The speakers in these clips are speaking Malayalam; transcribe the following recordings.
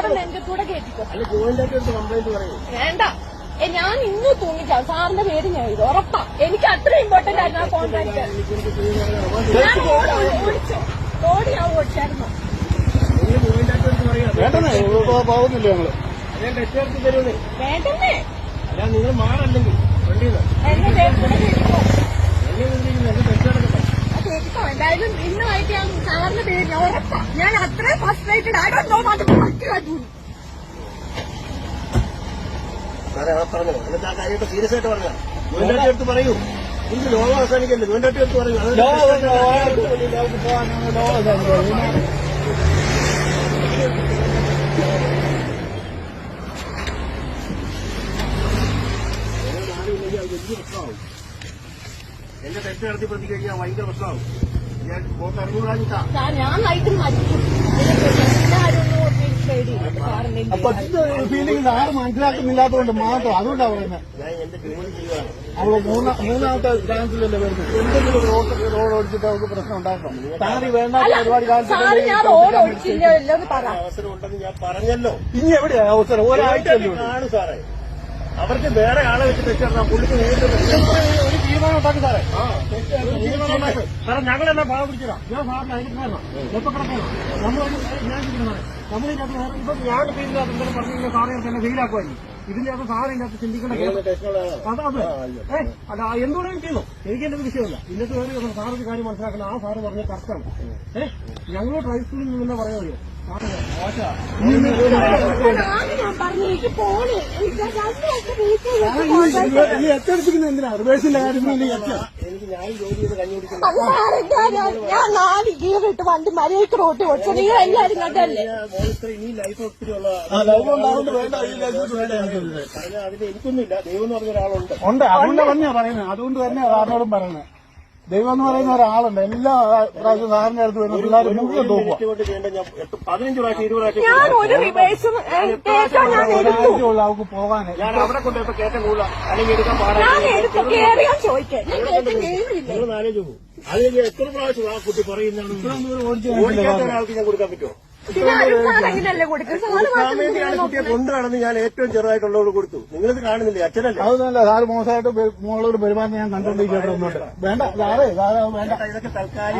സാറിന് എന്റെ കൂടെ കേട്ടിക്കോ. വേണ്ട, ഞാൻ ഇന്ന് തൂങ്ങിക്കാം. സാറിന്റെ പേര് ഞാൻ ഇത് ഉറപ്പാ. എനിക്ക് അത്ര ഇമ്പോർട്ടന്റ് ആയിരുന്നു ആ കോൺട്രാക്ട്. ഞാൻ ഓടിച്ചോ, ഓടി ഞാൻ ഓടിച്ചായിരുന്നു. പോകുന്നില്ല ഞങ്ങള്. വേണ്ടേ നിങ്ങൾ മാറല്ലെങ്കിൽ എന്റെ പേര് കൂടെ കേട്ടിക്കോ. കേട്ടിക്കോ. എന്തായാലും ഇന്നുമായിട്ട് ഞാൻ സാറിന്റെ പേര് ഞാൻ ഉറപ്പാ. ഞാൻ അത്രയും frustrated. I don't know what to do. പറഞ്ഞോ, എന്നിട്ട് ആ കാര്യമായിട്ട് സീരിയസ് ആയിട്ട് പറഞ്ഞ ഗവൺമെന്റ് എടുത്ത് പറയൂ. ഇന്ന് ലോകം അവസാനിക്കല്ലേ, ഗവൺമെന്റ് എടുത്ത് പറയൂ. വലിയ പ്രശ്നമാവും. എന്റെ തെറ്റ് നടത്തി പ്രതി കഴിഞ്ഞാൽ ഭയങ്കര പ്രശ്നമാവും. ഞാൻ പോക്ക് അറിഞ്ഞൂടാഞ്ഞിട്ടാ. ഞാൻ നൈറ്റിൽ മരിക്കും. ഫീലിംഗ് ആരും മനസ്സിലാക്കുന്നില്ലാത്തതുകൊണ്ട് മാത്രം. അതുകൊണ്ടാണ് പറയുന്നത്. ഞാൻ എന്റെ ജോലി ചെയ്യുകയാണ്. അവള് മൂന്നാമത്തെ ചാൻസിലല്ലേ വരുന്നത്. എന്തെങ്കിലും റോഡ് ഓടിച്ചിട്ട് അവർക്ക് പ്രശ്നം ഉണ്ടാക്കണം. താറി വേണ്ട ഒരുപാട് അവസരം ഉണ്ടെന്ന് ഞാൻ പറഞ്ഞല്ലോ. ഇനി എവിടെയാ അവസരം? ഒരാഴ്ച ആണ് സാറേ. അവർക്ക് വേറെ ആളെ വെച്ച് തെറ്റിടണം. പുള്ളിക്ക് നേരിട്ട് ഒരു തീരുമാനം ഉണ്ടാക്കി സാറേ. സാറേ ഞങ്ങളെന്നാ ഭാഗം പിടിച്ചതാ. ഞാൻ സാറിന് അതിനാണോ എപ്പോ കിടക്കണം നമ്മളിതിനകത്ത് ഇപ്പൊ ഞാൻ ഫീലിനകത്ത് എന്തെങ്കിലും പറഞ്ഞില്ല സാറേ തന്നെ ഫെയിലാക്കുമായിരുന്നു. ഇതിന്റെ അകത്ത് സാറിന്റെ അകത്ത് ചിന്തിക്കേണ്ട അല്ല എന്തുകൊണ്ടും ചെയ്യുന്നു. എനിക്ക് എന്റെ വിഷയമല്ല. ഇന്നത്തെ വേറെ സാറൊരു കാര്യം മനസ്സിലാക്കണം. ആ സാറ് പറഞ്ഞ കറക്റ്റാണ്. ഞങ്ങൾ ട്രൈ സ്കൂളിൽ നിന്ന് പറയാൻ കഴിയും. എത്തിരിക്കുന്നത് എന്തിനാ? റിവേഴ്സിന്റെ കാര്യം എനിക്ക് ഞാൻ ജോലി ചെയ്ത് കഞ്ഞുപിടിക്കുന്നു. ഞാൻ 4 ഗിയറിട്ട് വണ്ടി മര്യാദക്ക് റോട്ടി ഓടിച്ചു. നിങ്ങൾ എല്ലാവരും കണ്ടല്ലേ. ഇനി ലൈഫ് ഒത്തിരി ഉള്ള അതിന് എനിക്കൊന്നുമില്ല. ദൈവം എന്ന് പറഞ്ഞ ഒരാളുണ്ട്. അതുകൊണ്ട് തന്നെയാ പറയുന്നത്. അതുകൊണ്ട് തന്നെയാ സാറിനോടും പറയുന്നത്. ദൈവം എന്ന് പറയുന്ന ഒരാളുണ്ട്. എല്ലാ പ്രാവശ്യം സാറിന്റെ അടുത്ത് വരുന്ന പിള്ളേർ മുഴുവൻ തോക്കുക. 15 പ്രാവശ്യം 20 പ്രാവശ്യം ഞാൻ ഒരു റിവേഴ്സും അവർക്ക് പോകാൻ ഞാൻ അവിടെ കൊണ്ടുപോയപ്പോ കയറ്റം കൂടുതല അല്ലെങ്കിൽ എടുക്കാൻ പാടാൻ ചോദിക്കാൻ നിങ്ങൾ ആലോചിച്ച് പോകും. അതിലേക്ക് എത്ര പ്രാവശ്യം ആ കുട്ടി പറയുന്നതാണ് ഓടിക്കാത്ത ഒരാൾക്ക് ഞാൻ കൊടുക്കാൻ പറ്റുമോ? കുട്ടിയെ കൊണ്ടു നടന്ന് ഞാൻ ഏറ്റവും ചെറുതായിട്ടുള്ളവർ കൊടുത്തു. നിങ്ങളിത് കാണുന്നില്ലേ? അച്ഛനല്ലേ? അതൊന്നുമല്ല. സാറ് മോശമായിട്ട് മോളോട് പെരുമാറുന്ന ഞാൻ കണ്ടോണ്ടിരിക്കുന്നുണ്ട്. വേണ്ട സാറേ വേണ്ട. ഇതൊക്കെ തൽക്കാലം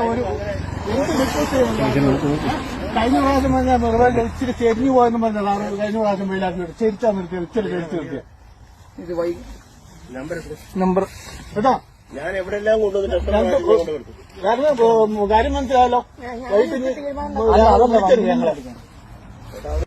കഴിഞ്ഞ പ്രാവശ്യം പറഞ്ഞാൽ വെറുതെ ഇച്ചിരി ചെരിഞ്ഞു പോയെന്ന് പറഞ്ഞ സാറ് കഴിഞ്ഞ പ്രാവശ്യം വെയിലാക്കി ചെരിച്ചാ നിർത്തിയ ഇച്ചിരി ചെരിച്ചു നിർത്തിയ നമ്പർ കേട്ടോ. ഞാൻ എവിടെല്ലാം കൊണ്ടുവന്നിട്ട് കാര്യം മനസ്സിലായല്ലോ. വൈകിട്ട്